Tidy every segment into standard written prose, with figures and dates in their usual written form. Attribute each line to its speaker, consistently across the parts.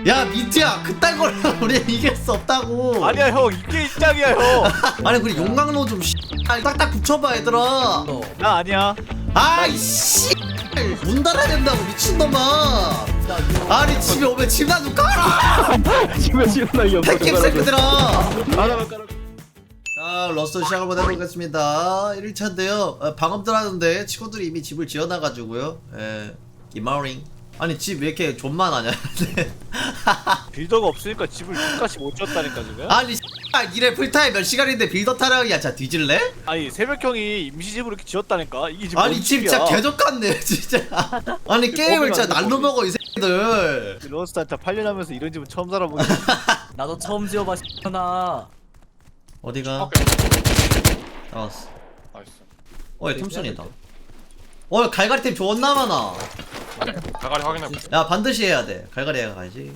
Speaker 1: 야 민트야 그딴 걸로 우리 이길 수 없다고.
Speaker 2: 아니야 형 이게 입장이야 형.
Speaker 1: 아니 그래 용광로 좀 딱딱 붙여봐 얘들아.
Speaker 2: 나 아니야.
Speaker 1: 아이씨 문 닫아야 된다고 미친놈아. 아니 집에 오면 집나 좀 깔아.
Speaker 3: 집에 지원하기 없어.
Speaker 1: 패킹 새끼들아.
Speaker 3: 하나만 깔아.
Speaker 1: 자 러스터 시작을 한번 해보겠습니다. 1일차인데요 방금 들었는데 친구들이 이미 집을 지어놔가지고요. 기마링. 아니 집 왜 이렇게 존만하냐.
Speaker 2: 빌더가 없으니까 집을 끝까지 못 지었다니까 지금.
Speaker 1: 아니 이래 풀타임 몇 시간인데 빌더 타령이야. 자 뒤질래?
Speaker 2: 아니 새벽형이 임시집으로 이렇게 지었다니까 이게 지금
Speaker 1: 아니
Speaker 2: 뭔
Speaker 1: 집 진짜
Speaker 2: 집이야.
Speaker 1: 개족같네 진짜. 아니 게임을 진짜 날로 먹어 이 새끼들.
Speaker 2: 런스타한테 8년 하면서 이런 집은 처음 살아보네.
Speaker 4: 나도 처음 지어봐 나.
Speaker 1: 어디가? 나왔어.
Speaker 5: 나이스.
Speaker 1: 어이 톰슨이다. 어 갈갈이템 존나 많아.
Speaker 5: 가가리 확인해볼게.
Speaker 1: 야 반드시 해야 돼. 갈갈이 해가야지.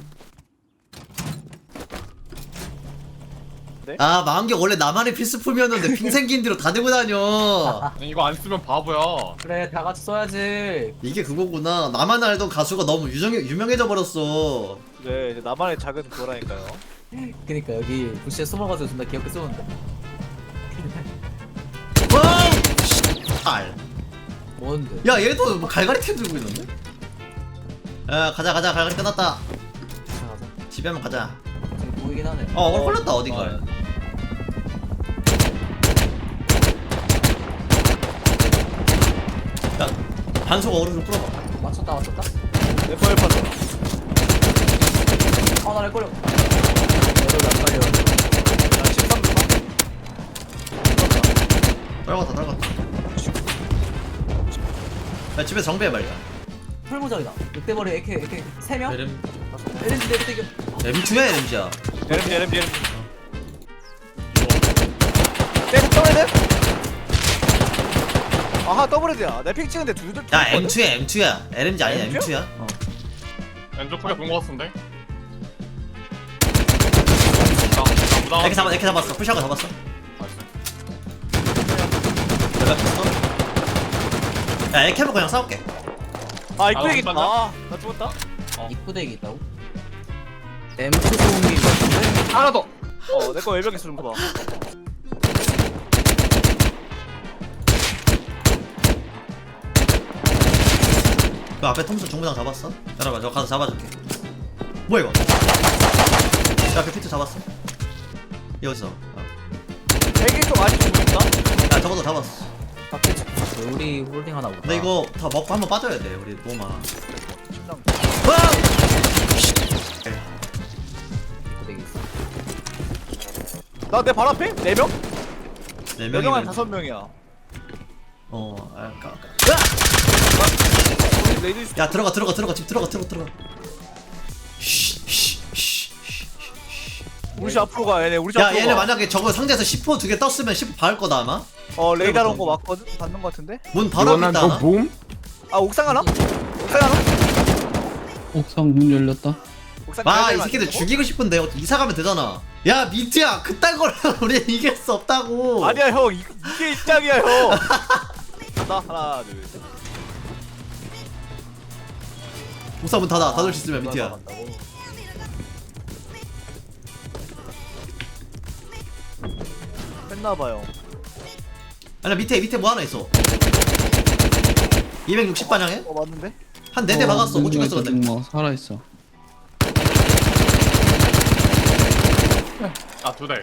Speaker 2: 네?
Speaker 1: 아 만개 원래 나만의 필수품이었는데 핑 생긴 뒤로 다 들고 다녀.
Speaker 5: 아니, 이거 안 쓰면 바보야.
Speaker 4: 그래 다 같이 써야지.
Speaker 1: 이게 그거구나. 나만 알던 가수가 너무 유명해져 버렸어.
Speaker 2: 네 이제 나만의 작은 그거라니까요.
Speaker 4: 그니까 여기 부시에 숨어가지고 존나 귀엽게 쏘는데.
Speaker 1: 와우! 알.
Speaker 4: 뭔데?
Speaker 1: 야 얘도 뭐 갈갈이템 들고 있는데? 야 가자 갈갈이 끝났다.
Speaker 4: 가자 가자.
Speaker 1: 집에 한번 가자.
Speaker 4: 저기 보이긴 하네.
Speaker 1: 오늘 걸렸다 어딘가에. 야 반속 어그로 좀 끌어봐.
Speaker 4: 맞췄다.
Speaker 2: 내 뻔할 뻔.
Speaker 4: 나를 걸려. 얘도 안 걸려.
Speaker 2: 나 13분.
Speaker 1: 떨궜다. 야 집에 정비해 말자.
Speaker 4: 풀무장이다. 늑대머리 AK 3명?
Speaker 1: LM
Speaker 4: LNG 내리대교.
Speaker 1: M2야 LMG야.
Speaker 2: LMG. 내 더블헤드? 아하 더블헤드야. 내 픽 찍은데 둘둘.
Speaker 1: 야 M2야 LMG 아니야
Speaker 2: M2 야?
Speaker 1: M2야.
Speaker 5: 왼쪽 크게 본거 같은데?
Speaker 1: 이렇게 잡았어. 푸시하고 잡았어.
Speaker 5: 나이스.
Speaker 1: 내가 pis어. 야 이렇게 그냥 싸울게.
Speaker 2: 아 입구에
Speaker 5: 아,
Speaker 2: 있다.
Speaker 5: 맞나?
Speaker 2: 나 죽었다.
Speaker 4: 입구대기 있다고? M2 소음기 같은데?
Speaker 5: 하나 더!
Speaker 2: 내 거 외벽에 쓰는 거 봐.
Speaker 1: 그 앞에 톰슨 중부장 잡았어? 기다려봐 저 가서 잡아줄게. 뭐야 이거? 야 그 피트 잡았어? 여기서.
Speaker 2: 대기 좀 아직 좀 있다.
Speaker 1: 야 저것도 잡았어.
Speaker 4: 밖에 우리 홀딩 하나 보다.
Speaker 1: 근데 이거 다 먹고 한번 빠져야 돼. 우리 너무 많아.
Speaker 2: 침낭.
Speaker 4: 입구대기 있어.
Speaker 2: 나내 발 앞에 4명?
Speaker 1: 네
Speaker 2: 4명 한
Speaker 1: 명이면
Speaker 2: 5명이야. 레이드
Speaker 1: 야 들어가 집 들어가.
Speaker 2: 우리 집 앞으로 가 얘네 우리 집
Speaker 1: 야
Speaker 2: 앞으로
Speaker 1: 얘네
Speaker 2: 가.
Speaker 1: 만약에 저거 상자에서 10호 2개 떴으면 10호 박을 거다 아마.
Speaker 2: 레이더 온거 맞거든? 받는 거 같은데?
Speaker 1: 문 바로 앞에 있다 하나?
Speaker 3: 봄?
Speaker 2: 아 옥상 하나? 옥상 하나?
Speaker 3: 옥상 문 열렸다.
Speaker 2: 옥상
Speaker 1: 아
Speaker 2: 가야
Speaker 1: 이
Speaker 2: 되는
Speaker 1: 새끼들
Speaker 2: 거 아니야,
Speaker 1: 죽이고 싶은데 이사 가면 되잖아. 야 민트야 그딴 걸로 우리 이길 수 없다고.
Speaker 2: 저거? 아니야 형 이게 입장이야 형. 간다 하나 둘셋.
Speaker 1: 옥사 문 닫을 수 있으면 민트야.
Speaker 2: 했나봐요.
Speaker 1: 아니 밑에 뭐 하나 있어. 260 반향에
Speaker 2: 맞는데?
Speaker 1: 한 4대 박았어. 못 죽였어 근데.
Speaker 3: 뭐 살아 있어.
Speaker 5: 아, 2대.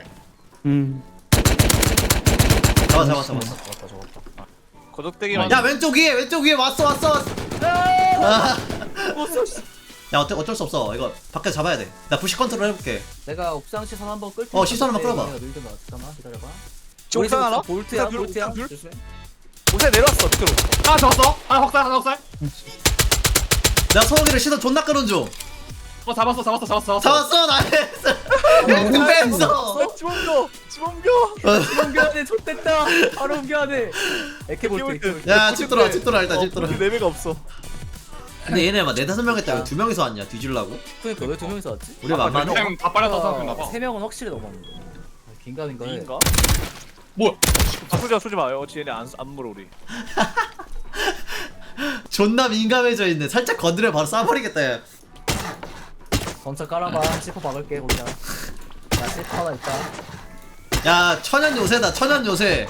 Speaker 1: 잡았어.
Speaker 2: 거적대기만.
Speaker 1: 야 왼쪽 위에 왔어. 아. 야 어쩔 수 없어. 이거 밖에서 잡아야 돼. 나 부시 컨트롤 해볼게.
Speaker 4: 내가 옥상 시선 한번 끌
Speaker 1: 시선 한번 끌어봐.
Speaker 4: 내가 밀든 거 잠깐만 기다려봐.
Speaker 2: 지금 옥상 하나?
Speaker 4: 볼트야
Speaker 2: 옥상 둘,
Speaker 4: 볼트야.
Speaker 2: 옥상 둘?
Speaker 4: 조심해.
Speaker 2: 옥상에 내려왔어 밑으로.
Speaker 5: 하나 잡았어! 하나 헉살, 하나 헉살!
Speaker 1: 나 소고기를 시선 존나 끄는 중.
Speaker 5: 잡았어.
Speaker 1: 잡았어 나이스. 1등 뺐어.
Speaker 2: 집 옮겨.
Speaker 4: 옮겨야 돼. 좆됐다. 바로 옮겨야 돼. 에케 볼트.
Speaker 1: 야 집 들어와 일단 집 들어와.
Speaker 2: 네 매가 없어.
Speaker 1: 근데 얘네 막 4-5명 했다. 왜 2명이서 왔냐 뒤질라고?
Speaker 4: 그러니까 왜 2명이서 왔지?
Speaker 1: 우리 만만해.
Speaker 5: 그냥 다 빨렸다 생각했나봐.
Speaker 4: 3명은 확실히 넘었는데. 긴가민가 해.
Speaker 2: 인가?
Speaker 5: 뭐야?
Speaker 2: 쏘지 마요. 얘네 안 물어 우리.
Speaker 1: 존나 민감해져 있네. 살짝 건드려 바로 쏴버리겠다. 얘.
Speaker 4: 건차 깔아봐. C4 박을게 거기다. 야 C4 하나 있다.
Speaker 1: 야 천연 요새다 천연 요새.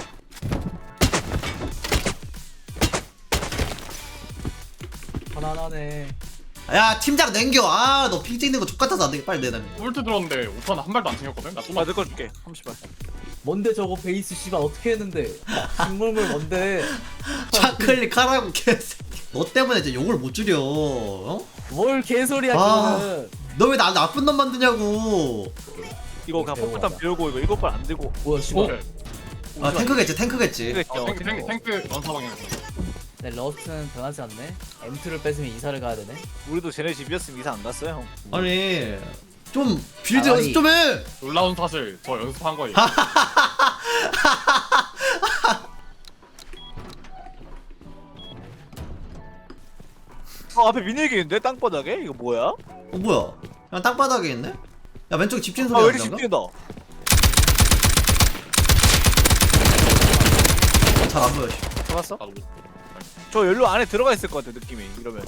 Speaker 4: 하나하나네.
Speaker 1: 야 팀장 냉겨. 아 너 핑 찍는 거 족같아서 안 되게 빨리 내놔.
Speaker 5: 울트 들었는데 오빠는 한 발도 안 챙겼거든. 나
Speaker 2: 아,
Speaker 5: 쏘만.
Speaker 2: 내거 줄게. 30발.
Speaker 4: 뭔데 저거 베이스 씨발 어떻게 했는데? 식물물 뭔데?
Speaker 1: 차클릭 하라고 개새끼. 너 때문에 이제 욕을 못 줄여. 어?
Speaker 4: 뭘 개소리야
Speaker 1: 아.
Speaker 4: 지금.
Speaker 1: 너 왜 나 나쁜 놈 만드냐고.
Speaker 2: 이거 그냥
Speaker 4: 배우고
Speaker 2: 폭탄
Speaker 4: 하자.
Speaker 2: 비우고 이거 7발 안 들고.
Speaker 4: 뭐야 씨발.
Speaker 5: 오케이.
Speaker 1: 아 탱크겠지 탱크겠지.
Speaker 2: 그랬죠.
Speaker 5: 탱크 연사방향.
Speaker 4: 네, 러스트는 변하지 않네. M2를 뺏으면 이사를 가야 되네.
Speaker 2: 우리도 쟤네 집이었으면 이사 안 갔어요, 형.
Speaker 1: 아니 좀 빌드
Speaker 4: 아니.
Speaker 1: 연습 좀 해.
Speaker 5: 놀라운 사실 저 연습한 거예요.
Speaker 2: 앞에 미니기 있는데 땅바닥에 이거 뭐야?
Speaker 1: 어 뭐야? 그냥 땅바닥에 있네? 야 왼쪽에 집진
Speaker 2: 아
Speaker 1: 소리
Speaker 2: 왜 이렇게
Speaker 1: 나는가?
Speaker 2: 집중다?
Speaker 1: 잘 안 보여. 씨.
Speaker 2: 잡았어?
Speaker 5: 나도 못.
Speaker 2: 저 연료 안에 들어가 있을 것 같아 느낌이 이러면.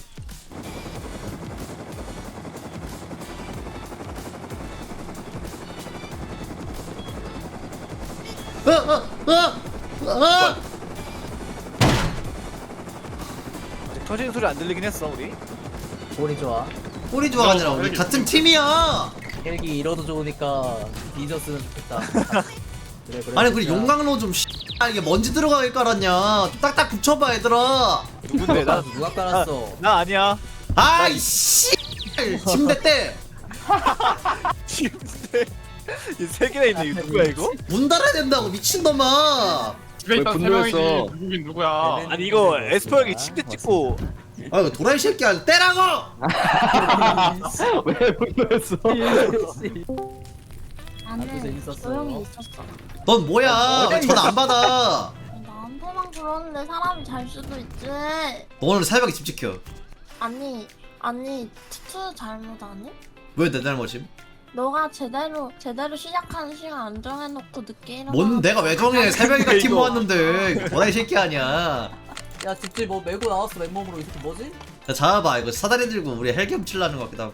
Speaker 2: 아직 터지는 소리 안 들리긴 했어 우리.
Speaker 4: 볼이 좋아.
Speaker 1: 꼬리 좋아가 아니라 우리 같은 팀이야.
Speaker 4: 헬기 잃어도 좋으니까 뒤졌으면 좋겠다. 그래 그래.
Speaker 1: 아니 그리
Speaker 4: 진짜.
Speaker 1: 용광로 좀 이게 먼지 들어가게 깔았냐? 좀 딱딱 붙여봐 얘들아.
Speaker 2: 누군데 나?
Speaker 4: 누가 깔았어?
Speaker 2: 나 아니야.
Speaker 1: 아이씨. 침대 때.
Speaker 2: 침대 이세 개나 있네. 이거 누구야 이거?
Speaker 1: 문 닫아야 된다고 미친놈아.
Speaker 5: 집에 있던 세
Speaker 3: 분노했어?
Speaker 5: 명이지 누구긴 누구야.
Speaker 2: 아니 이거 에스퍼 형이 침대 찍고
Speaker 1: 아 이거 도라이 새끼야 떼라고.
Speaker 3: 왜 분노했어?
Speaker 4: 아주
Speaker 6: 나는
Speaker 4: 재밌었어.
Speaker 6: 조용히 있었어.
Speaker 1: 넌 뭐야? 왜 전화 안 받아?
Speaker 6: 나한테만 그러는데 사람이 잘 수도 있지.
Speaker 1: 너 오늘 새벽에 집 지켜.
Speaker 6: 아니 투투 잘못 아니?
Speaker 1: 왜 내 잘못임?
Speaker 6: 너가 제대로 시작하는 시간 안 정해놓고 늦게 일어나.
Speaker 1: 뭔 내가 왜 정해? 새벽에 팀
Speaker 2: 이거.
Speaker 1: 모았는데 도라이 새끼 아니야.
Speaker 4: 야 집지 뭐 메고 나왔어 맨몸으로. 이 새끼 뭐지?
Speaker 1: 야 잡아봐 이거 사다리 들고 우리 헬기 훔치려는 것 같기도 하고.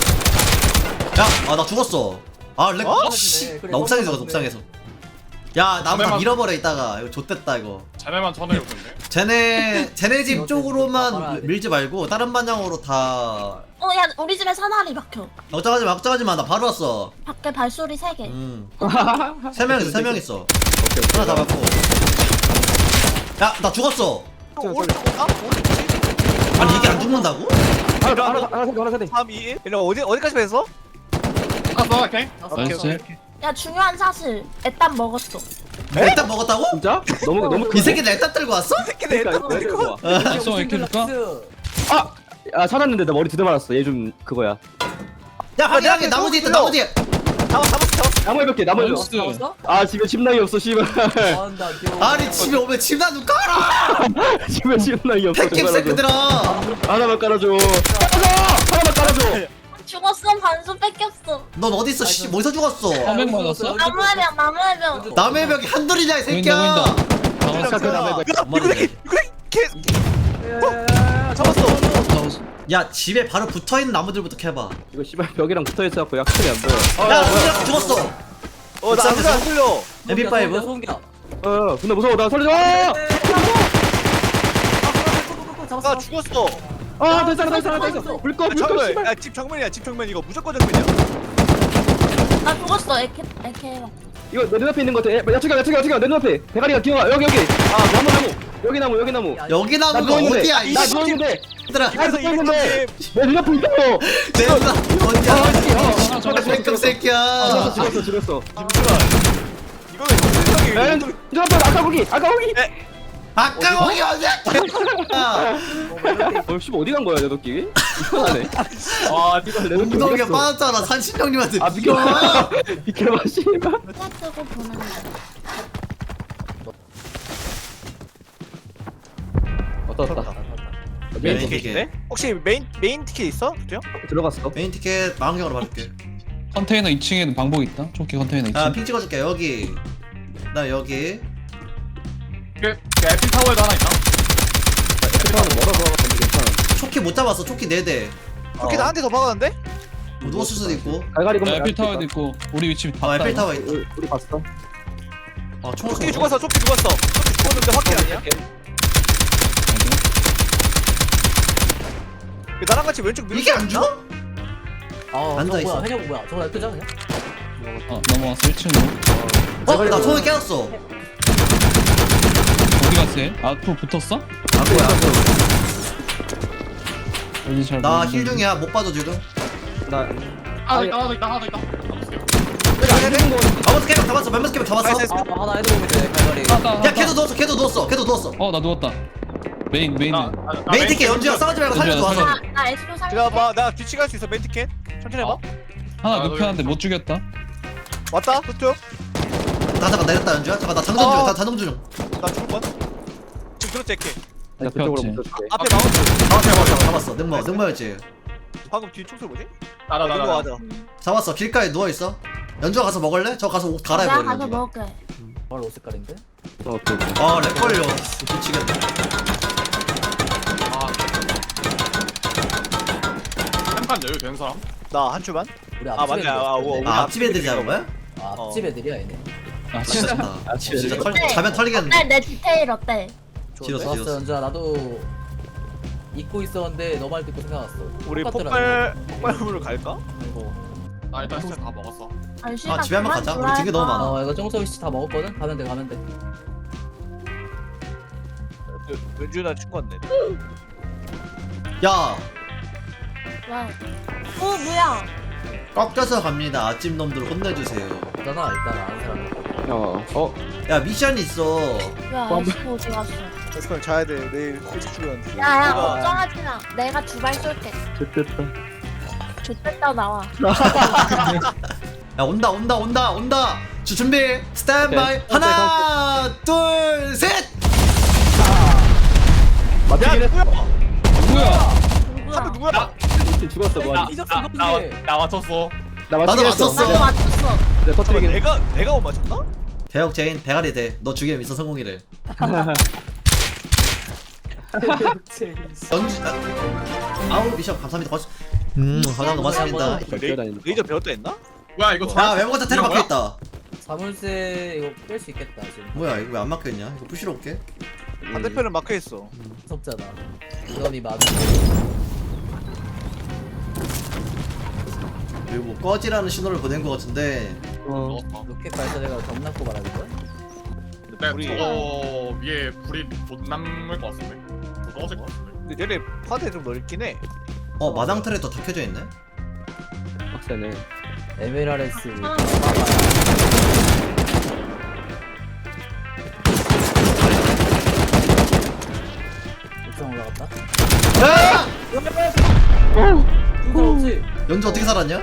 Speaker 1: 야, 나 죽었어. 아, 렉.
Speaker 2: 어?
Speaker 1: 씨,
Speaker 4: 그래,
Speaker 1: 나 옥상에서
Speaker 4: 깜빡
Speaker 1: 옥상에서. 야, 나 다
Speaker 5: 잠깐만.
Speaker 1: 밀어버려 이따가. 이거 좆됐다 이거.
Speaker 5: 자네만 쳐내요 근데.
Speaker 1: 쟤네 집
Speaker 4: 이거
Speaker 1: 쪽으로만
Speaker 4: 좀 봐봐라.
Speaker 1: 밀지 말고 다른 방향으로 다.
Speaker 6: 야 우리 집에 사다리 막혀.
Speaker 1: 걱정하지 마. 나 바로 왔어.
Speaker 6: 밖에 발소리 3개.
Speaker 1: 세 명 있어, 3명 있어. 하나 잡았고. 야, 나 죽었어. 아니 이게 안 죽는다고?
Speaker 3: 하나 세대.
Speaker 2: 3, 2, 1 이러면 어디까지 뺐어?
Speaker 5: 갔어 오케이.
Speaker 3: 나이스.
Speaker 6: 야 중요한 사실 애딴 먹었어.
Speaker 1: 일단 먹었다고?
Speaker 3: 진짜? 너무
Speaker 1: 이 새끼 일단 들고 왔어?
Speaker 2: 새끼네
Speaker 3: 그러니까
Speaker 4: 아,
Speaker 3: 왜 이렇게 줄까?
Speaker 4: 스
Speaker 3: 아 찾았는데 나 머리 두대 맞았어. 얘 좀 그거야.
Speaker 1: 야, 확인하게 나무 뒤에 있다. 나무 뒤에.
Speaker 2: 잡았어.
Speaker 3: 나무 해볼게. 나무 해줘.
Speaker 4: 잡았어?
Speaker 3: 아 집에 침낭이 없어 씨발.
Speaker 4: 아나 귀여워.
Speaker 1: 아니 집에 오면 집나 좀 깔아.
Speaker 3: 집에 침낭이 없어.
Speaker 1: 팩김
Speaker 3: 좀 깔아줘.
Speaker 1: 새끼들아.
Speaker 3: 하나만 깔아줘. 하나만 깔아줘.
Speaker 6: 죽었어. 반수 뺏겼어.
Speaker 1: 넌 어디 있어? 씨, 어디서 죽었어?
Speaker 3: 화면 맞았어?
Speaker 6: 나무해병.
Speaker 1: 남의 벽에 한둘이냐 이 새끼야.
Speaker 2: 잡았어.
Speaker 1: 야 집에 바로 붙어있는 나무들부터 캐봐.
Speaker 3: 이거 씨발 벽이랑 붙어 있어갖고 약속이 안 보여.
Speaker 1: 야 우리랑 죽었어.
Speaker 2: 나 아무도 안 풀려.
Speaker 1: MP5?
Speaker 4: 소음기야.
Speaker 3: 근데 무서워. 나 살려줘.
Speaker 2: 나 죽었어.
Speaker 3: 됐어. 물꺼
Speaker 2: 정면.
Speaker 3: 씨발.
Speaker 2: 야, 집 정면이야. 집 정면 이거 무조건 정면이야.
Speaker 6: 나 죽었어. 에케.
Speaker 3: 이거 내 눈앞에 있는 거 같아. 야 저기야 내 눈앞에. 대가리가 기어가. 여기. 나무. 여기 나무.
Speaker 1: 여기
Speaker 3: 나
Speaker 1: 나무가
Speaker 3: 누워있는데.
Speaker 1: 어디야 이
Speaker 3: 나
Speaker 1: 새끼.
Speaker 3: 누웠는데.
Speaker 1: 얘들아
Speaker 2: 이래서
Speaker 3: 누웠는데.
Speaker 2: 200점집.
Speaker 3: 내 눈앞에 있다고.
Speaker 1: 내가 어디야?
Speaker 3: 저거
Speaker 1: 팩금 새끼야.
Speaker 3: 죽었어.
Speaker 2: 잠시만. 이거는
Speaker 3: 야,
Speaker 2: 세상에
Speaker 3: 눈앞에 아까 거기.
Speaker 1: 아까 거기 어디야?
Speaker 3: 씨발 어디 간 거야 내 도끼? 이상하네. 네가 내 도끼
Speaker 1: 엉덩이에
Speaker 3: 어디 갔어?
Speaker 1: 빠졌잖아 산신령님한테.
Speaker 3: 아 비켜봐. 비켜봐 씨발.
Speaker 6: 쓰고 보는 거.
Speaker 3: 왔다.
Speaker 2: 메인
Speaker 1: 메인
Speaker 2: 티켓 있네? 혹시 메인 티켓 있어? 그죠?
Speaker 3: 들어갔어.
Speaker 1: 메인 티켓 망경으로 봐줄게.
Speaker 3: 컨테이너 2층에는 방복 있다. 조끼 컨테이너 2층.
Speaker 1: 아 핑 찍어줄게 여기. 나 여기.
Speaker 5: 그 에피 타워에도 하나 있나?
Speaker 3: 에피타는 멀어서 근데 괜찮아.
Speaker 1: 초키 못 잡았어. 초키 4대.
Speaker 2: 그렇게 나한테 더 박았는데?
Speaker 1: 뭐 누웠을 수도 있고.
Speaker 3: 갈갈이
Speaker 7: 야,
Speaker 3: 건물
Speaker 7: 에필 타워에도 있고 우리 위치 봤다.
Speaker 1: 아 에펠
Speaker 7: 이거.
Speaker 1: 타워 있다.
Speaker 3: 우리 봤어.
Speaker 1: 아 총알
Speaker 2: 조끼 죽었어. 조끼 죽었어. 조끼 죽었는데 확킬 아니야? 왜 나랑 같이 왼쪽 밀
Speaker 1: 이게 안 죽어?
Speaker 4: 아
Speaker 1: 앉아
Speaker 4: 저거
Speaker 1: 있어.
Speaker 4: 뭐야 해녀 뭐야 저거 끄자 그냥
Speaker 7: 넘어왔어 1층으로.
Speaker 1: 나 총알 깨웠어.
Speaker 7: 어디 갔어 얘? 앞으로 붙었어?
Speaker 1: 안 보여 안 보여.
Speaker 7: 어디 잘
Speaker 1: 나
Speaker 7: 모르겠는데.
Speaker 1: 힐 중이야 못 봐줘 지금.
Speaker 3: 나
Speaker 5: 하나 더 있다 하나 더 있다.
Speaker 1: 잡았어 깨박 잡았어. 멤버스 깨박 잡았어.
Speaker 2: 나이스.
Speaker 4: 아 하나 해도 보면 돼 갈갈이
Speaker 1: 야 걔도 누웠어 걔도 누웠어 걔도 누웠어.
Speaker 7: 나 누웠다. 메인 메인은.
Speaker 1: 메인 티켓 연주야 싸우지 말고 살려줘 와서.
Speaker 6: 나 에스로 살릴게.
Speaker 2: 기다려봐. 나 뒤치갈 수 있어. 맨 티켓. 천천히 해봐.
Speaker 7: 하나
Speaker 5: 아,
Speaker 7: 눕혔는데 못 죽였다.
Speaker 2: 왔다. 뚜
Speaker 1: 나 잠깐 내렸다 연주야. 잠깐 나 장전 중. 나 장전 중.
Speaker 2: 나 죽을 뻔. 지금 들었지 이렇게.
Speaker 3: 나 그쪽으로
Speaker 7: 눕혔지.
Speaker 3: 붙여줄게.
Speaker 2: 앞에 마운트.
Speaker 1: 잡았어. 능모였지.
Speaker 2: 방금 뒤에 총소리 뭐지?
Speaker 5: 나나
Speaker 2: 이거
Speaker 5: 나.
Speaker 2: 하자.
Speaker 1: 잡았어. 길가에 누워 있어. 연주야 가서 먹을래? 저 가서 옷 갈아입어.
Speaker 6: 내가 가서 먹을게.
Speaker 4: 바로 옷 색깔인데
Speaker 3: 오케이.
Speaker 1: 아렉 걸려. 미치겠네.
Speaker 5: 한판 여유 되는 사람?
Speaker 2: 나 한 줄만.
Speaker 4: 우리
Speaker 2: 아,
Speaker 4: 앞집
Speaker 2: 맞네.
Speaker 4: 애들
Speaker 2: 아, 우와,
Speaker 1: 아 앞집 애들이 잡은 거야?
Speaker 4: 앞집 애들이야 얘네
Speaker 7: 아 진짜.
Speaker 1: 아 진짜
Speaker 6: 어때?
Speaker 1: 자면 털리겠는데.
Speaker 6: 어때? 내 디테일 어때?
Speaker 1: 지렸어
Speaker 4: 좋았어
Speaker 1: 지렸어.
Speaker 4: 연주야 나도 잊고 있었는데 너 말 듣고 생각났어
Speaker 2: 우리
Speaker 4: 똑같더라,
Speaker 2: 폭발물을 갈까?
Speaker 4: 이거.
Speaker 5: 나 일단 진짜 다 먹었어.
Speaker 6: 아니,
Speaker 1: 아, 집에 한번 가자. 우리 등게 너무 많아.
Speaker 4: 이거 정서위 씨다 먹었거든? 가면 돼 가면 돼
Speaker 2: 연준아 친구 왔네.
Speaker 1: 야
Speaker 6: 왜? 뭐야?
Speaker 1: 꺾여서 갑니다. 아침 놈들 혼내주세요.
Speaker 4: 있잖아 일단 아는 사람
Speaker 1: 야 미션 있어.
Speaker 6: 야 에스코 어디 갔어?
Speaker 2: 에스컬 자야 돼. 내일 일찍 출근.
Speaker 6: 야야
Speaker 2: 내가-
Speaker 6: 걱정하지 마. 내가 두발 쏠게.
Speaker 3: 됐다.
Speaker 6: 좋겠다 나와.
Speaker 1: 야 온다. 준비. 스탠바이.
Speaker 3: 오케이.
Speaker 1: 하나 둘 셋.
Speaker 3: 맞추긴 했어.
Speaker 7: 누구야?
Speaker 6: 누구야?
Speaker 2: 누구야?
Speaker 3: 죽었어 뭐.
Speaker 4: 잊었어 그거지
Speaker 5: 나 맞췄어.
Speaker 3: 나
Speaker 1: 나도
Speaker 3: 맞추긴 했어.
Speaker 1: 맞췄어.
Speaker 6: 나도 맞췄어.
Speaker 3: 내 터뜨리긴.
Speaker 2: 내가 못 맞췄나?
Speaker 1: 대역 제인 대가리 대. 너 죽이면 미션 성공이래. 연주. 아우 미션 감사합니다. 감사합니다. 고맙습니다.
Speaker 3: 뛰어다니는.
Speaker 2: 레이저 배웠다 했나?
Speaker 5: 뭐야 이거
Speaker 1: 야 외모가 테러 박혀 있다.
Speaker 4: 사물쇠 이거 뺄 수 있겠다 지금
Speaker 1: 뭐야 이거 왜 안 막혀 있냐? 이거 부시러 올게.
Speaker 2: 반대편은 막혀 있어.
Speaker 4: 무섭잖아 이건이 많은
Speaker 1: 그리고 뭐 꺼지라는 신호를 보낸 것 같은데.
Speaker 5: 먹었어.
Speaker 4: 로켓 발사대가 점납고 말하는 거야?
Speaker 5: 근데
Speaker 2: 우리-
Speaker 5: 저거 위에 불이 못 남을 것 같은데. 못 떨어질 것 같은데.
Speaker 2: 근데 얘네 파대 좀 넓긴 해.
Speaker 1: 마당 틀에 더 켜져 있네.
Speaker 3: 빡세네.
Speaker 4: MLRS
Speaker 6: 아.
Speaker 4: 옥상 올라갔다
Speaker 1: 야!
Speaker 4: 중사 없지?
Speaker 1: 연주 어떻게 살았냐?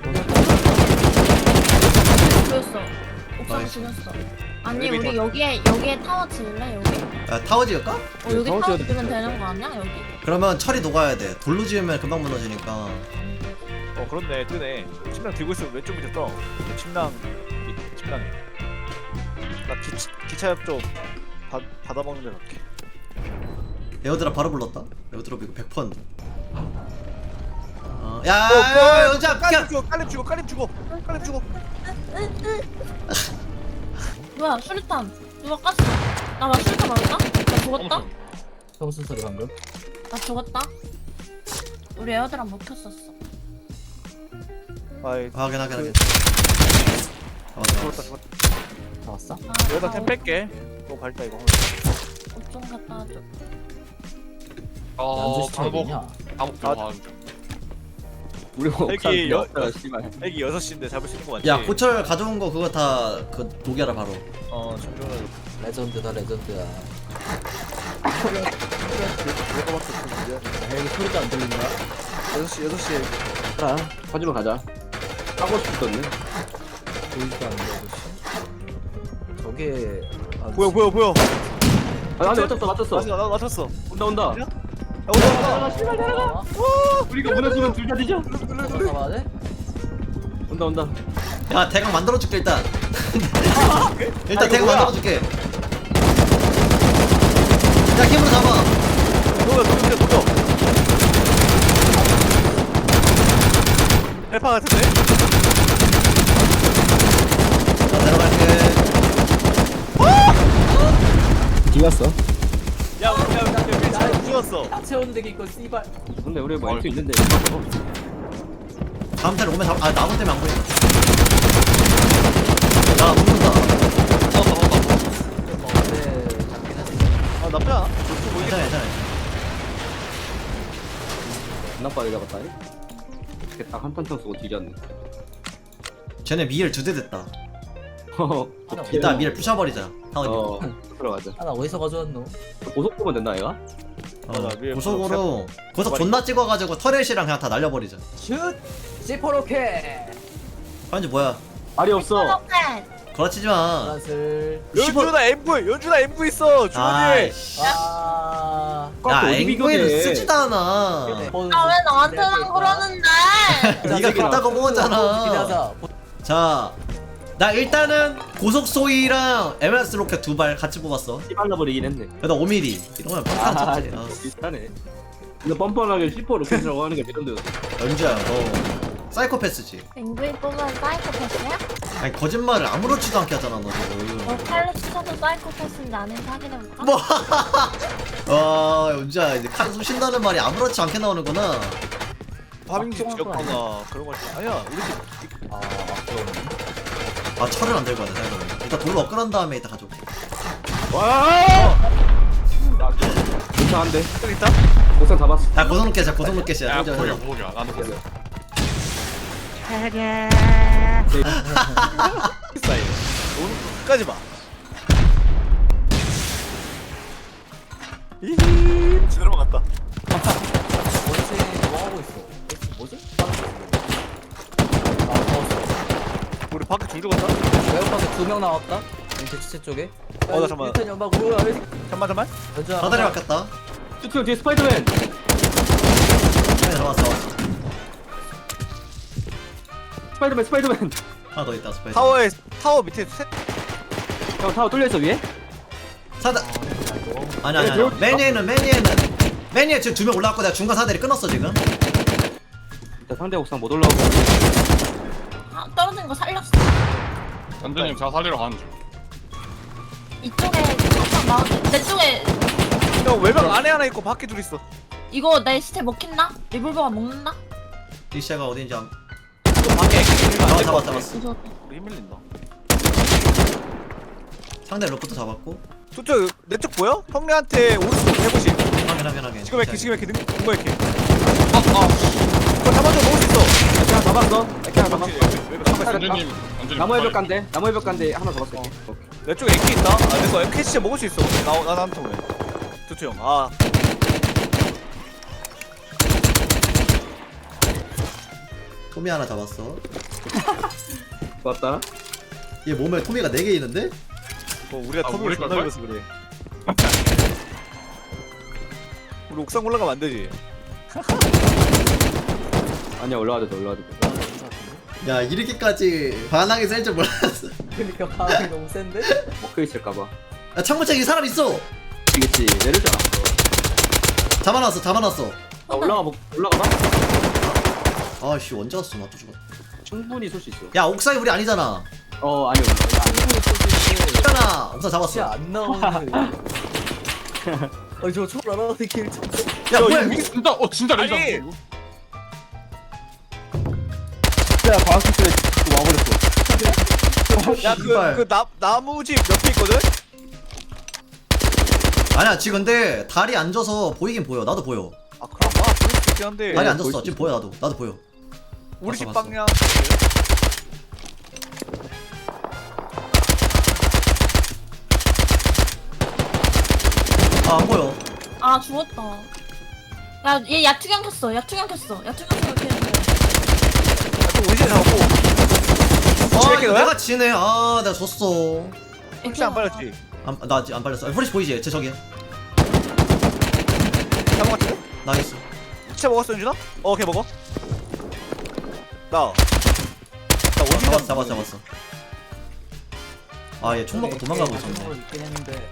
Speaker 6: 죽였어. 옥상
Speaker 1: 나이스.
Speaker 6: 죽였어. 아니
Speaker 2: 엘리베이터.
Speaker 6: 우리 여기에 타워 지을래 여기?
Speaker 1: 야 타워 지을까?
Speaker 6: 여기
Speaker 3: 타워
Speaker 6: 타워
Speaker 3: 지어도
Speaker 6: 지으면 되는 거 아니야 여기?
Speaker 1: 그러면 철이 녹아야 돼. 돌로 지으면 금방 무너지니까.
Speaker 2: 그렇네. 뜨네. 침낭 들고 있으면 왼쪽 밑에 떠. 침낭 침낭. 나 기차 옆쪽 받아먹는 데 갈게.
Speaker 1: 에어드랍 바로 불렀다. 에어드랍 이거 100%인데. 야, 연주야,
Speaker 2: 깔림 주고 깔림 주고.
Speaker 6: 뭐야 수류탄 누가 깠어? 나 수류탄 맞나? 나 죽었다?
Speaker 4: 평순 소리 방금
Speaker 6: 나 죽었다? 우리 에어드랍 못 켰었어.
Speaker 2: 아이
Speaker 1: 확인.
Speaker 2: 죽었다.
Speaker 4: 다 왔어?
Speaker 6: 아,
Speaker 2: 여기다 템 뺄게. 너무 밝다 이거.
Speaker 6: 옷좀 갖다 줘.
Speaker 4: 안주 시청
Speaker 5: 방법
Speaker 4: 어디냐?
Speaker 5: 방법 들어가는 중.
Speaker 3: 우리 옥상
Speaker 2: 여기
Speaker 3: 비었어, 씨발.
Speaker 2: 애기 6시인데 잡을 수 있는 거 맞지?
Speaker 1: 야, 고철 가져온 거 그거 다 그 독이라 바로.
Speaker 2: 정준호
Speaker 4: 레전드다 레전드야
Speaker 2: 내가 봤을 때
Speaker 4: 헬기 소리도 안 들린다
Speaker 2: 6시에
Speaker 3: 자, 가지러 가자. 하고 싶었네.
Speaker 4: 보이지도 않는데 아저씨 저게
Speaker 2: 뭐야
Speaker 3: 아, 근데 맞췄어.
Speaker 2: 나 맞췄어.
Speaker 3: 온다.
Speaker 2: 야 온다.
Speaker 3: 씨발 내려가. 우리가 무너지면 둘 다 뒤져.
Speaker 4: 잡아야 돼?
Speaker 3: 온다.
Speaker 1: 야, 대강 만들어줄게 일단. 일단
Speaker 2: 이거
Speaker 1: 대강
Speaker 2: 뭐야?
Speaker 1: 만들어줄게. 야, 힘으로 잡아.
Speaker 2: 녹여. 헬파 같은데?
Speaker 1: 자, 내려갈게.
Speaker 3: 뒤갔어.
Speaker 2: 야 우리 잘 죽었어.
Speaker 4: 채운데기 있고 씨발.
Speaker 3: 근데 우리 뭐 M2 있는데.
Speaker 1: 다음 타를 오면 아 나무 때문에 안 보인다. 야 붙는다.
Speaker 4: 네.
Speaker 2: 아 나쁘지 않아. 좋고 보이네.
Speaker 1: 괜찮아 괜찮아.
Speaker 3: 존나 빠르게 잡았다. 이렇게 딱 한 탄창 쓰고 뒤졌네.
Speaker 1: 쟤네 미엘 2대 됐다.
Speaker 4: 하나
Speaker 1: 이따 미엘 부셔버리자. 타원이.
Speaker 3: 들어가자.
Speaker 4: 하나 어디서 가져왔노?
Speaker 3: 고속 보면 된다 얘가?
Speaker 2: 맞아, 미엘
Speaker 1: 고속으로 고속 존나 찍어가지고 터렛이랑 그냥 다 날려버리자.
Speaker 4: 슛! C4로켓!
Speaker 1: 현지 뭐야?
Speaker 3: 말이 없어.
Speaker 6: 이렇게.
Speaker 1: 그렇지지 마.
Speaker 4: 플러스
Speaker 2: 연준아 M9 있어. 주머니에.
Speaker 1: 아이씨.
Speaker 4: 아...
Speaker 1: 야
Speaker 3: 어디
Speaker 1: 앵구이는
Speaker 3: 비교돼.
Speaker 1: 쓰지도 않아.
Speaker 6: 아 왜 나한테만 그러는데?
Speaker 1: 네가 그따고 먹었잖아.
Speaker 4: 기다자.
Speaker 1: 자, 나 일단은 고속 소이랑 MS 로켓 2발 같이 뽑았어.
Speaker 3: 씨발라버리긴 했네.
Speaker 1: 그래도 5mm 이러면 뻔한 쳤지.
Speaker 3: 비슷하네. 근데 뻔뻔하게 C4 로켓이라고 하는 게 믿던데요.
Speaker 1: 연주야, 너 사이코패스지.
Speaker 6: 앵구이 뽑으면 사이코패스야?
Speaker 1: 아니 거짓말을 아무렇지도 않게 하잖아, 너 지금.
Speaker 6: 너 칼로 치셔서 사이코패스인지 아닌지 확인해볼까?
Speaker 1: 뭐? 와, 연주야 이제 칼 쏘신다는 말이 아무렇지 않게 나오는구나.
Speaker 2: 파밍집 지역화가 그런 거 아니야. 우리 집
Speaker 1: 아, 철을 안 들고 가네, 생각해보면. 일단 돌로 업그레이드 다음에 이따 가져올게.
Speaker 3: 와! 괜찮은데.
Speaker 2: 저기 있다.
Speaker 3: 옥상 잡았어.
Speaker 1: 야, 고속 로켓이야, 고속 로켓이야.
Speaker 5: 야
Speaker 1: 연주야,
Speaker 5: 고기야
Speaker 1: 연주야.
Speaker 5: 고기야 나도 그래.
Speaker 2: 사이. 오늘 끝까지 봐. 이 제대로 막았다.
Speaker 4: 원체 뭐 하고 있어? 뭐지? 아, 먹었어.
Speaker 2: 우리 밖에 둘 죽었다.
Speaker 4: 외곽방에 2명 나왔다? 대치체 쪽에.
Speaker 2: 나 잠깐만.
Speaker 4: 일단 연막 뭐야? 왜
Speaker 2: 잠깐만.
Speaker 1: 사다리 바뀌었다.
Speaker 3: 쭈쭈 뒤에 스파이더맨.
Speaker 1: 네, 잡았어.
Speaker 3: 스파이더맨.
Speaker 1: 하나 더 있다, 스파이더.
Speaker 2: 타워 밑에 셋.
Speaker 3: 형 타워 뚫려 있어 위에?
Speaker 1: 사다. 아니. 맨위에는 지금 2명 올라왔고 내가 중간 사다리 끊었어 지금.
Speaker 3: 일단 상대 옥상 못 올라오고.
Speaker 6: 아 떨어진 거 살렸어.
Speaker 5: 연준님 제가 살리러 가는 중.
Speaker 6: 이쪽에 항상 나오지. 내 쪽에
Speaker 2: 형 외벽 안에 하나 있고 밖에 둘 있어.
Speaker 6: 이거 내 시체 먹힌다? 리볼버가 먹는다?
Speaker 1: 디시아가 어딘지 안.
Speaker 2: 또 밖에
Speaker 1: 잡았어.
Speaker 6: 무서웠다.
Speaker 2: 우리 힘 밀린다.
Speaker 1: 상대 로프트 잡았고.
Speaker 2: 저쪽 내 쪽 보여? 형네한테 오른쪽 150.
Speaker 1: 확인.
Speaker 2: 지금 이렇게 능거 이렇게. 그거 잡아줘 먹을 수 있어.
Speaker 3: 이렇게 하나 잡았어. 이렇게 하나 잡았어.
Speaker 2: 외벽 잡았어.
Speaker 5: 연준님
Speaker 3: 나무의 벽 간대. 나무의 벽 간대. 하나 잡았어. 이렇게.
Speaker 2: 내 쪽에 AK 있다. 내거 AK 진짜 먹을 수 있어. 나 나한테 왜? 두투 형. 아.
Speaker 1: 토미 하나 잡았어.
Speaker 3: 좋았다.
Speaker 1: 얘 몸에 토미가 4개 있는데?
Speaker 2: 우리가
Speaker 5: 아,
Speaker 2: 텀을
Speaker 5: 우리
Speaker 2: 존나
Speaker 5: 걸걸?
Speaker 2: 밀어서 그래. 우리 옥상 올라가면 안 되지.
Speaker 3: 아니야 올라와도 돼.
Speaker 1: 야 이렇게까지 반항이 셀 줄 몰랐어.
Speaker 4: 그러니까 반응이 너무 센데?
Speaker 3: 먹혀 있을까봐.
Speaker 1: 야 창문책에 사람 있어.
Speaker 3: 이겠지. 내릴 줄 알았어.
Speaker 1: 잡아놨어.
Speaker 3: 아 올라가봐.
Speaker 1: 아씨 언제 왔어 나 또 죽었다.
Speaker 3: 충분히 쏠 수 있어.
Speaker 1: 야 옥상이 우리 아니잖아.
Speaker 3: 아니요.
Speaker 1: 있잖아. 옥상
Speaker 4: 진짜
Speaker 1: 잡았어.
Speaker 4: 안 나오는 저 초월 안 하는데 길 좀.
Speaker 1: 야 뭐야
Speaker 5: 이게 진짜 레이저.
Speaker 2: 아니.
Speaker 3: 야 과학기술에 와버렸어.
Speaker 2: 야 그 나무집 옆에 있거든.
Speaker 1: 아니야 지금 근데 다리 앉아서 보이긴 보여. 나도 보여.
Speaker 2: 아 그런가? 그럴 수도 있긴 한데.
Speaker 1: 다리 앉았어. 지금 보여 나도 보여.
Speaker 2: 우리 집
Speaker 1: 봤어.
Speaker 2: 방향.
Speaker 1: 아 안 보여.
Speaker 6: 아 죽었다. 야얘 야투경 켰어. 야투경 켰어 이렇게 했는데.
Speaker 2: 또 우리 집 잡고.
Speaker 1: 아
Speaker 2: 이렇게
Speaker 1: 이거
Speaker 2: 너야?
Speaker 1: 내가 지네. 아 내가 졌어.
Speaker 2: 혹시 안 빨렸지?
Speaker 1: 나 아직 안 빨렸어. 프레시 보이지? 제 저기.
Speaker 2: 잡은 것 같은데?
Speaker 1: 나이스.
Speaker 2: 진짜 먹었어 윤준아? 걔 먹어. 나 어디
Speaker 1: 잡았어. 아 얘 총 먹고 도망가고 있었네.
Speaker 4: 있긴 했는데.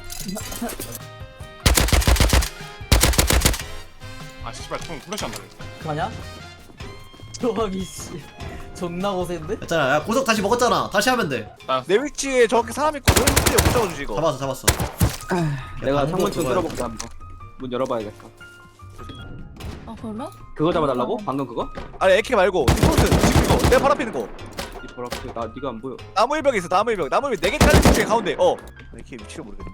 Speaker 5: 아 씨발 총 플래시 안 달려.
Speaker 4: 그만이야? 조합이 씨. 존나 고생인데?
Speaker 1: 했잖아. 야 고속 다시 먹었잖아. 다시 하면 돼.
Speaker 2: 내 위치에 정확히 사람 있고 너 위치에 못 잡아주지 이거.
Speaker 1: 잡았어.
Speaker 3: 내가
Speaker 1: 방금
Speaker 3: 창문 좀
Speaker 1: 그거야.
Speaker 3: 뚫어볼게 한번. 문 열어봐야겠다.
Speaker 6: 아 그래?
Speaker 3: 그거 잡아달라고? 방금 그거?
Speaker 2: 아니 AK 말고 디폴트 지금 이거 내 바로 앞에 있는 거.
Speaker 3: 이 보라색 나 네가 안 보여.
Speaker 2: 나무 일벽에 있어 나무 일벽. 나무 일벽 4개 깔린 중에 가운데. AK 위치를 모르겠네.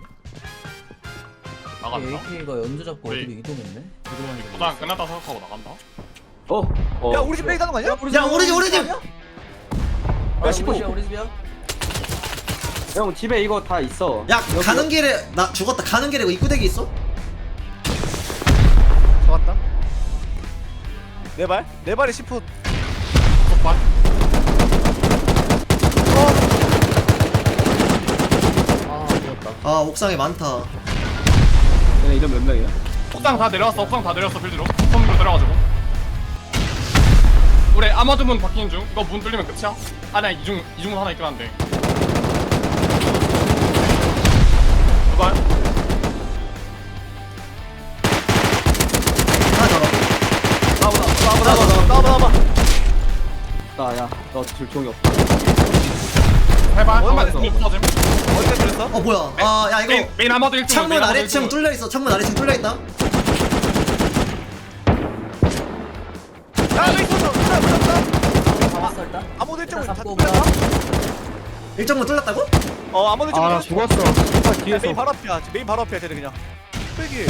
Speaker 5: 나간다.
Speaker 4: AK가 연주 잡고
Speaker 5: 우리-
Speaker 4: 어디로 이동했네? 이동하는 거.
Speaker 5: 도장 끝났다 생각하고 나간다.
Speaker 2: 야 우리 집 빼기 가는 거 아니야?
Speaker 1: 야 우리 집.
Speaker 4: 야
Speaker 3: 야,
Speaker 4: 15.
Speaker 3: 십 오.
Speaker 4: 우리 집이야?
Speaker 3: 형 집에 이거 다 있어.
Speaker 1: 야 가는 길에 나 죽었다. 가는 길에 이거 입구대기 있어?
Speaker 2: 잡았다. 내 발? 내 발이 10풋.
Speaker 5: 속발.
Speaker 4: 아 죽었다.
Speaker 1: 아 옥상에 많다.
Speaker 3: 얘네 이름 몇 명이야?
Speaker 5: 옥상 다 내려왔어. 옥상 다 내려왔어. 빌드로. 손으로 내려가지고. 우리 아마드 문 바뀌는 중. 이거 문 뚫리면 끝이야. 아니야 이중문 하나 있긴 한데. 그걸
Speaker 1: 하나 잡아.
Speaker 2: 나와봐.
Speaker 3: 나야 너 줄총이 없다.
Speaker 5: 해봐.
Speaker 2: 얼마
Speaker 5: 한번
Speaker 2: 됐어?
Speaker 5: 붙어짐.
Speaker 2: 어디가 들렸어?
Speaker 1: 어 뭐야? 아 야 이거
Speaker 5: 메인 아마드 1층.
Speaker 1: 창문 아래층 뚫려 있어. 창문 아래층 뚫려 있다.
Speaker 2: 야 여기 있었어.
Speaker 4: 잡았어 일단.
Speaker 2: 아무도 일정을 다
Speaker 4: 잡고
Speaker 2: 뚫렸다?
Speaker 1: 일정문 뚫렸다고?
Speaker 2: 아무도 일정을
Speaker 3: 아나
Speaker 2: 다
Speaker 3: 죽었어. 뒤에서.
Speaker 2: 메인 바로 앞이야. 메인 바로 앞이야. 쟤네 그냥. 뚝배기.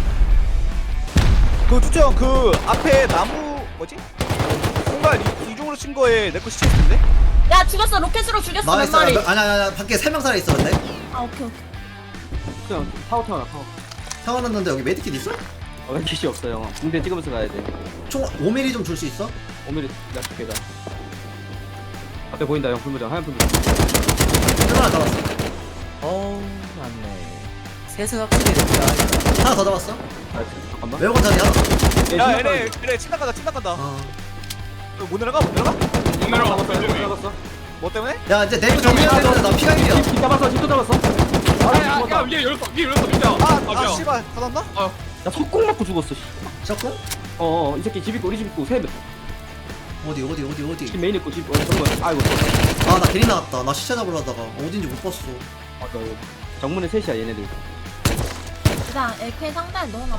Speaker 2: 그 투정 그 앞에 나무 뭐지? 공간 이중으로 친 거에 내 거 시체 있는데?
Speaker 6: 야 죽였어. 로켓으로 죽였어. 몇
Speaker 1: 나이스.
Speaker 6: 마리.
Speaker 1: 아니 밖에 3명 살아 있어 근데.
Speaker 6: 아 오케이.
Speaker 3: 그냥 타워 타워.
Speaker 1: 태어났는데 여기 메디킷 있어?
Speaker 3: 왜 기시 없어요? 군대 찍으면서 가야 돼.
Speaker 1: 총 5mm 좀 줄 수 있어?
Speaker 3: 오늘이 나 줄게 나. 앞에 보인다 형 풀무장 하얀 풀무장.
Speaker 1: 하나 잡았어.
Speaker 4: 어우 맞네. 셋은 확실히 됐다.
Speaker 1: 하나 더 잡았어.
Speaker 3: 나이스. 잠깐만.
Speaker 1: 외국어 자리 하나.
Speaker 2: 야 얘네 침낭 간다. 침낭 간다. 못 내려가? 못 내려가?
Speaker 5: 못 내려가서 빌드네.
Speaker 3: 들어갔어.
Speaker 2: 뭐 때문에?
Speaker 1: 야 이제 내부 정리해야 되는데 나 피가 1이야.
Speaker 3: 집 잡았어. 집도 잡았어.
Speaker 5: 야 위에 열었어. 위에 열었어. 진짜.
Speaker 2: 아 씨발 닫았나?
Speaker 3: 나 속공 맞고 죽었어. 씨.
Speaker 1: 셔코?
Speaker 3: 이 새끼 집 있고 우리 집 있고 세 명.
Speaker 1: 어디?
Speaker 3: 집 메인 있고 집 정문. 아이고.
Speaker 1: 아 나 괜히 나왔다. 나 시체 잡으려다가 어딘지 못 봤어.
Speaker 3: 맞아. 정문에 셋이야 얘네들.
Speaker 6: 일단 AK 상자에 넣어놨다.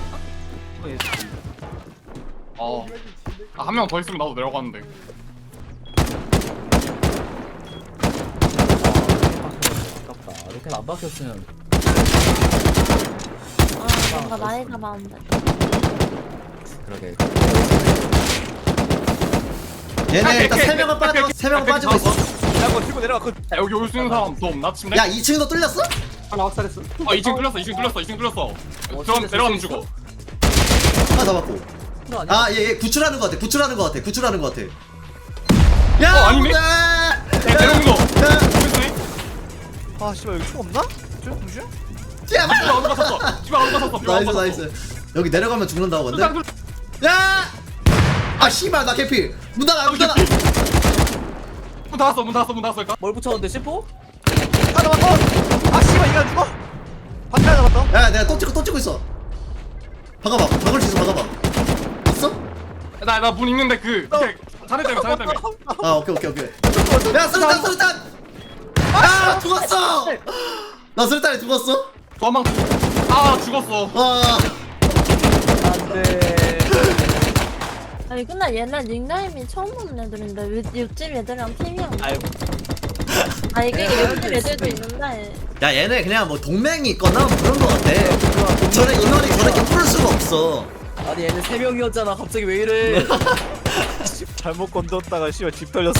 Speaker 5: 한 명 더 있으면 나도 내려가는데.
Speaker 4: 아깝다. 이렇게 안 박혔으면.
Speaker 6: 아 뭔가 많이 잡았는데.
Speaker 4: 그러게.
Speaker 1: 얘네 일단 3명은 빠져. 3명은 빠지고 있어.
Speaker 2: 야 그거 들고 내려가.
Speaker 5: 야 여기 올 수 있는 사람 더 없나? 침대?
Speaker 1: 야 2층도 뚫렸어?
Speaker 3: 하나 확살했어.
Speaker 5: 2층 뚫렸어. 2층 뚫렸어. 그럼 내려가면 죽어.
Speaker 1: 하나 잡았고.
Speaker 4: 그거 아니야?
Speaker 1: 아얘 구출하는 거 같아. 구출하는 거 같아. 야
Speaker 5: 아니네?
Speaker 1: 야,
Speaker 5: 내려오는 거.
Speaker 1: 야,
Speaker 5: 보이스네?
Speaker 2: 아 씨발 여기 총 없나? 저 무슨?
Speaker 1: 야,
Speaker 5: 집에 어디가 샀어? 집에 어디가 샀어?
Speaker 1: 나이스. 여기 내려가면 죽는다고 근데. 야! 아 씨발 나 개피. 문 닫아.
Speaker 5: 문 닫았어 일단.
Speaker 4: 뭘 붙였는데 C4?
Speaker 2: 아 잡았어. 아 씨발 이거 안 죽어? 밖에 하나 잡았다.
Speaker 1: 야 내가 또 찍고 있어. 박아봐. 박을 수 있어. 박아봐. 있어?
Speaker 5: 나문 있는데 자네 때문에.
Speaker 1: 아 오케이. 야 수류탄. 아 죽었어. 나 수류탄에 죽었어.
Speaker 5: 도망. 죽었어.
Speaker 1: 와.
Speaker 4: 안돼.
Speaker 6: 아니 근데 얘네 닉네임이 처음 보는 애들인데 왜 옆집 애들이랑 팀이야?
Speaker 2: 아이고.
Speaker 6: 아 이게 옆집 애들도 있는데.
Speaker 1: 야 얘네 그냥 뭐 동맹이 있거나 뭐 그런 거 같아. 저는 인원이 저렇게 풀 수가 없어.
Speaker 4: 아니 얘는 3명이었잖아. 갑자기 왜 이래?
Speaker 2: 잘못 건졌다가 씨발 집 털렸어.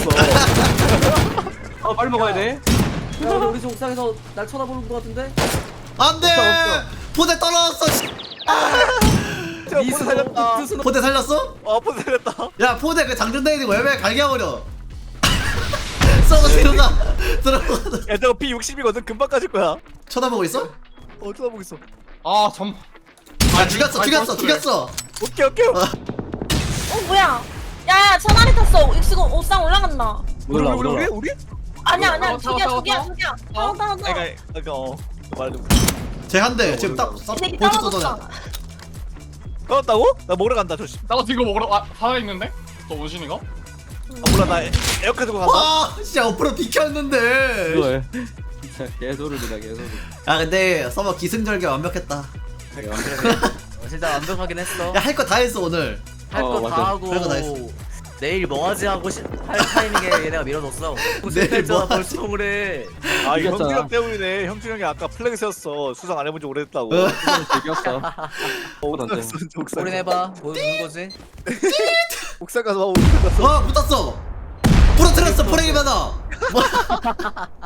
Speaker 3: 빨리 먹어야 돼.
Speaker 4: 야 우리 집 옥상에서 날 쳐다보는 것 같은데?
Speaker 1: 안돼. 포대 떨어졌어. 씨.
Speaker 2: 포대 살렸다.
Speaker 1: 포대 살렸어?
Speaker 2: 포대 살렸다.
Speaker 1: 야 포대 그 장전대기고 왜 갈겨버려. 썩어 들어가.
Speaker 2: 야 저거 P60이거든. 금방 까질 거야.
Speaker 1: 쳐다보고 있어?
Speaker 2: 쳐다보고 있어.
Speaker 1: 아 죽였어.
Speaker 2: 오케이.
Speaker 6: 뭐야? 야야 천알이 탔어. 지금 옥상 올라간다.
Speaker 2: 우리?
Speaker 6: 아니야
Speaker 5: 타워,
Speaker 6: 저기야. 타워.
Speaker 2: 이거 말도.
Speaker 1: 쟤 한 대 지금 딱
Speaker 6: 이 새끼
Speaker 1: 보트
Speaker 6: 떨어졌어.
Speaker 1: 쏘잖아.
Speaker 2: 까웠다고? 나 먹으러 간다 저 씨.
Speaker 5: 나도 지금 먹으러 살아있는데? 저 원신이가?
Speaker 2: 몰라 나 에어컨 들고 간다.
Speaker 1: 와 진짜 앞으로 비켰는데.
Speaker 3: 그걸 진짜 개소리다 개소리.
Speaker 1: 아 근데 서버 기승전결 완벽했다.
Speaker 4: 진짜 완벽하긴 했어.
Speaker 1: 야 할 거 다 했어 오늘.
Speaker 4: 할 거
Speaker 3: 맞아.
Speaker 4: 다 하고
Speaker 1: 별거다 했어.
Speaker 4: 내일 뭐하지 하고 할 타이밍에 얘네가 밀어줬어.
Speaker 1: 내일 뭐 하지?
Speaker 4: 벌써 그래.
Speaker 2: 아
Speaker 3: 이겼잖아.
Speaker 2: 형준이 형 때문이네. 형준이 형이 아까 플래그 세웠어. 수상 안 해본 지 오래됐다고.
Speaker 3: 즐겼어.
Speaker 2: 옥상 가서 옥상
Speaker 4: 우린 해봐. 보는 거지.
Speaker 2: 옥상 가서 옥상 가서.
Speaker 1: 와 붙었어. 부러뜨렸어 프레임 하나.